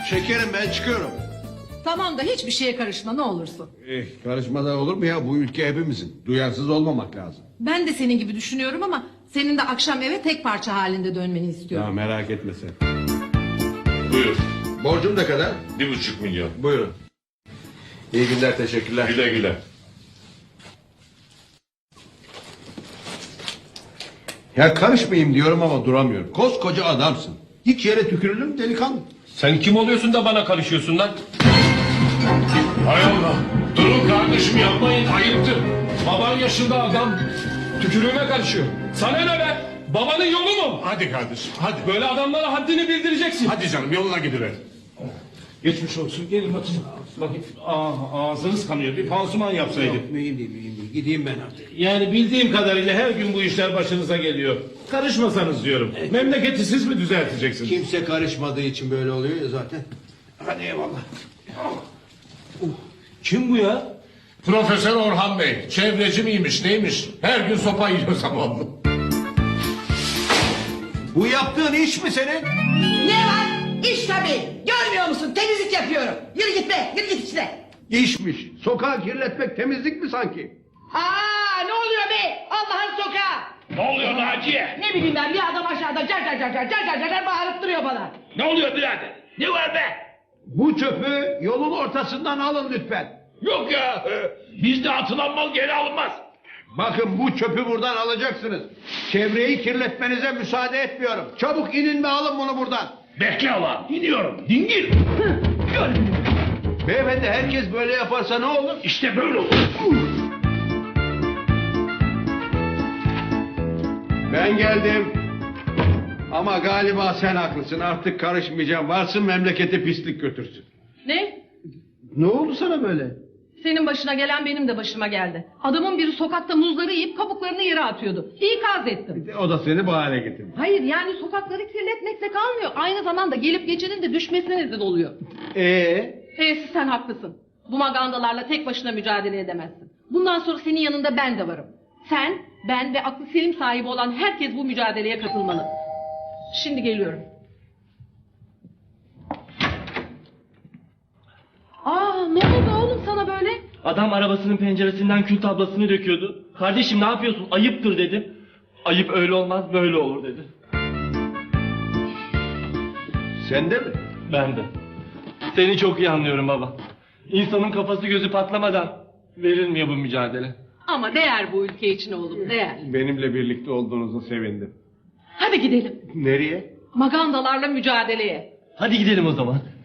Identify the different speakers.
Speaker 1: Şekerim ben çıkıyorum.
Speaker 2: Tamam da hiçbir şeye karışma ne olursun.
Speaker 1: Karışmadan olur mu ya? Bu ülke hepimizin. Duyarsız olmamak lazım.
Speaker 2: Ben de senin gibi düşünüyorum ama senin de akşam eve tek parça halinde dönmeni istiyorum.
Speaker 1: Ya merak etme sen.
Speaker 3: Buyur.
Speaker 1: Borcum ne kadar?
Speaker 3: 1,5 milyon.
Speaker 1: Buyurun. İyi günler, teşekkürler.
Speaker 3: Güle güle.
Speaker 1: Ya karışmayayım diyorum ama duramıyorum. Koskoca adamsın. Hiç yere tükürülür mü delikanlı?
Speaker 4: Sen kim oluyorsun da bana karışıyorsun lan?
Speaker 3: Hay Allah.
Speaker 4: Durun kardeşim yapmayın ayıptır. Baban yaşında adam tükürüğüme karışıyor. Sana ne be? Babanın yolu mu?
Speaker 3: Hadi kardeşim hadi.
Speaker 4: Böyle adamlara haddini bildireceksin.
Speaker 3: Hadi canım yoluna gidiver.
Speaker 4: Geçmiş olsun gelin bakayım. Bakayım. Ağzınız kanıyor bir pansuman yapsaydık.
Speaker 1: Mühim değil. Gideyim ben artık.
Speaker 4: Yani bildiğim kadarıyla her gün bu işler başınıza geliyor. Karışmasanız diyorum. Memleketi siz mi düzelteceksiniz?
Speaker 1: Kimse karışmadığı için böyle oluyor ya zaten. Hadi eyvallah.
Speaker 4: Kim bu ya?
Speaker 3: Profesör Orhan Bey. Çevreci miymiş neymiş? Her gün sopa yiyor zamanlı.
Speaker 1: Bu yaptığın iş mi senin?
Speaker 5: Ne var? İş tabii. Görmüyor musun? Temizlik yapıyorum. Yürü git be. Yürü git içine.
Speaker 1: İşmiş. Sokağı kirletmek temizlik mi sanki?
Speaker 5: Aa, ne oluyor be? Allah'ın sokağı.
Speaker 6: Ne oluyor Naciye?
Speaker 5: Ne bileyim ben, bir adam aşağıda car car car car car car car bağırıp duruyor bana.
Speaker 6: Ne oluyor birader? Ne var be?
Speaker 1: Bu çöpü yolun ortasından alın lütfen.
Speaker 6: Yok ya. Bizde atılan mal geri alınmaz.
Speaker 1: Bakın bu çöpü buradan alacaksınız. Çevreyi kirletmenize müsaade etmiyorum. Çabuk inin ve alın bunu buradan.
Speaker 6: Bekle ulan. İniyorum. Dingil.
Speaker 1: Beyefendi herkes böyle yaparsa ne olur?
Speaker 6: İşte böyle olur.
Speaker 1: Ben geldim. Ama galiba sen haklısın. Artık karışmayacağım. Varsın memleketi pislik götürsün.
Speaker 2: Ne?
Speaker 1: Ne oldu sana böyle?
Speaker 2: Senin başına gelen benim de başıma geldi. Adamın biri sokakta muzları yiyip kabuklarını yere atıyordu. İkaz ettim.
Speaker 1: O da seni bahane getirdi.
Speaker 2: Hayır yani sokakları kirletmekle kalmıyor. Aynı zamanda gelip geçenin de düşmesine neden oluyor. Sen haklısın. Bu magandalarla tek başına mücadele edemezsin. Bundan sonra senin yanında ben de varım. Sen, ben ve aklı selim sahibi olan herkes bu mücadeleye katılmalı. Şimdi geliyorum. Ne oldu oğlum sana böyle?
Speaker 7: Adam arabasının penceresinden kül tablasını döküyordu. Kardeşim ne yapıyorsun? Ayıptır dedim. Ayıp öyle olmaz böyle olur dedi.
Speaker 1: Sen de mi?
Speaker 7: Ben de. Seni çok iyi anlıyorum baba. İnsanın kafası gözü patlamadan verilmiyor bu mücadele.
Speaker 2: Ama değer bu ülke için oğlum, değer.
Speaker 1: Benimle birlikte olduğunuzu sevindim.
Speaker 2: Hadi gidelim.
Speaker 1: Nereye?
Speaker 2: Magandalarla mücadeleye.
Speaker 7: Hadi gidelim o zaman.